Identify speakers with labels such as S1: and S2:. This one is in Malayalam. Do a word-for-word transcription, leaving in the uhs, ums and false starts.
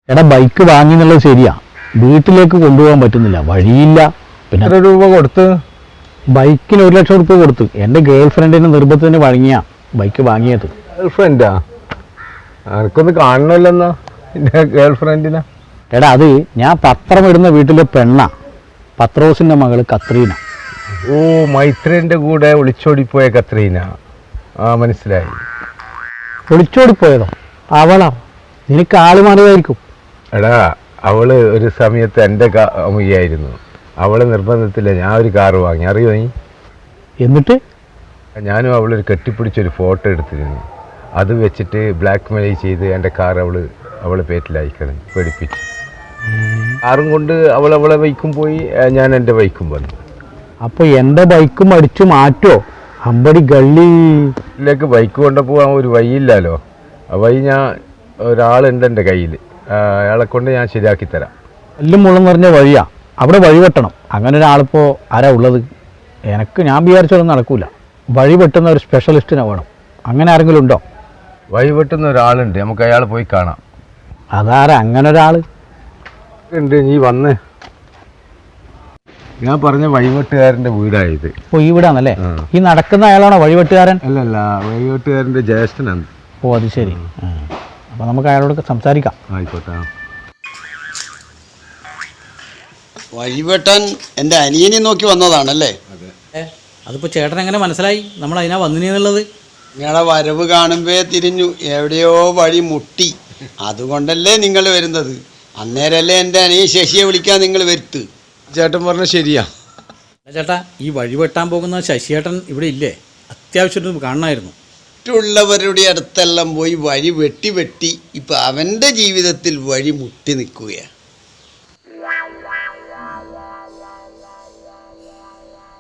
S1: എടാ ബൈക്ക് വാങ്ങി എന്നുള്ളത് ശരിയാ, വീട്ടിലേക്ക് കൊണ്ടുപോകാൻ പറ്റുന്നില്ല, വഴിയില്ല. പിന്നെ
S2: എത്ര രൂപ കൊടുത്ത്?
S1: ബൈക്കിന് ഒരു ലക്ഷം റുപ്യ കൊടുത്തു. എൻ്റെ ഗേൾ ഫ്രണ്ടിന് നിർബന്ധത്തിന് വഴങ്ങിയ ബൈക്ക് വാങ്ങിയത്.
S2: ഗേൾ ഫ്രണ്ടാ? എനിക്കൊന്ന് കാണണമല്ലെന്നാ എൻ്റെ ഗേൾ ഫ്രണ്ടിനാ.
S1: എടാ അത് ഞാൻ പത്രം ഇടുന്ന വീട്ടിലെ പെണ്ണ, പത്രോസിൻ്റെ മകള് കത്രീന.
S2: ഓ, മൈത്രേൻ്റെ കൂടെ ഒളിച്ചോടിപ്പോയ കത്രീന. ആ, മനസ്സിലായി.
S1: ഒളിച്ചോടിപ്പോയതോ? അവളാ? നിനക്ക് ആള് മാറിയതായിരിക്കും.
S2: എടാ, അവള് ഒരു സമയത്ത് എൻ്റെ അമ്മയായിരുന്നു. അവളെ നിർബന്ധത്തില്ല ഞാൻ ഒരു കാറ് വാങ്ങി, അറിയോ നീ?
S1: എന്നിട്ട്
S2: ഞാനും അവളൊരു കെട്ടിപ്പിടിച്ചൊരു ഫോട്ടോ എടുത്തിരുന്നു. അത് വെച്ചിട്ട് ബ്ലാക്ക് മെയിൽ ചെയ്ത് എൻ്റെ കാർ അവള് അവളെ പേറ്റിലയക്കണം, പേടിപ്പിച്ചു. കാറും കൊണ്ട് അവൾ അവളെ ബൈക്കും പോയി, ഞാൻ എൻ്റെ ബൈക്കും വന്നു.
S1: അപ്പോൾ എൻ്റെ ബൈക്കും അടിച്ചു മാറ്റോ? അമ്പടി ഗള്ളി.
S2: ഇതിലേക്ക് ബൈക്ക് കൊണ്ടുപോകാൻ ഒരു വഴിയില്ലല്ലോ. ആ വഴി ഞാൻ ഒരാളുണ്ട് എൻ്റെ കയ്യിൽ, അയാളെ കൊണ്ട് ഞാൻ ശരിയാക്കി തരാം.
S1: എല്ലും മുള്ളം നിറഞ്ഞ വഴിയാ, അവിടെ വഴി വെട്ടണം. അങ്ങനെ ഒരാളിപ്പോൾ ആരാ ഉള്ളത്? എനിക്ക് ഞാൻ വിചാരിച്ചതൊന്നും നടക്കൂല. വഴി വെട്ടുന്ന ഒരു സ്പെഷ്യലിസ്റ്റിനെ വേണം. അങ്ങനെ ആരെങ്കിലും ഉണ്ടോ?
S2: വഴി വെട്ടുന്ന ഒരാളുണ്ട്, നമുക്ക് അയാൾ പോയി കാണാം.
S1: അതാരാ അങ്ങനെ ഒരാൾ?
S2: ഉണ്ട്, നീ വന്ന്. ഞാൻ പറഞ്ഞ വഴിവെട്ടുകാരൻ്റെ വീടായത്.
S1: ഓ, ഈ വീടാണല്ലേ? ഈ നടക്കുന്ന അയാളാണോ വഴിവെട്ടുകാരൻ?
S2: അല്ലല്ല, വഴിവെട്ടുകാരൻ്റെ ജ്യേഷ്ഠനാണ്.
S1: ഓ, അത് ശരി. അപ്പോൾ നമുക്ക് അയാളോട് സംസാരിക്കാം.
S2: ആയിക്കോട്ടെ.
S3: വഴിവെട്ടാൻ എൻ്റെ അനിയനെ നോക്കി വന്നതാണല്ലേ?
S4: അതിപ്പോൾ ചേട്ടൻ എങ്ങനെ മനസ്സിലായി നമ്മൾ അതിനാ വന്നിനുള്ളത്?
S3: നിങ്ങളെ വരവ് കാണുമ്പേ തിരിഞ്ഞു, എവിടെയോ വഴി മുട്ടി. അതുകൊണ്ടല്ലേ നിങ്ങൾ വരുന്നത്. അന്നേരമല്ലേ എൻ്റെ അനിയൻ ശശിയെ വിളിക്കാൻ നിങ്ങൾ വരുത്ത്.
S2: ചേട്ടൻ പറഞ്ഞ ശരിയാ.
S4: ചേട്ടാ, ഈ വഴി വെട്ടാൻ പോകുന്ന ശശിയേട്ടൻ ഇവിടെ ഇല്ലേ? അത്യാവശ്യമായിട്ട് കാണണമായിരുന്നു.
S3: മറ്റുള്ളവരുടെ അടുത്തെല്ലാം പോയി വഴി വെട്ടി വെട്ടി ഇപ്പം അവൻ്റെ ജീവിതത്തിൽ വഴി മുട്ടി നിൽക്കുകയാണ്.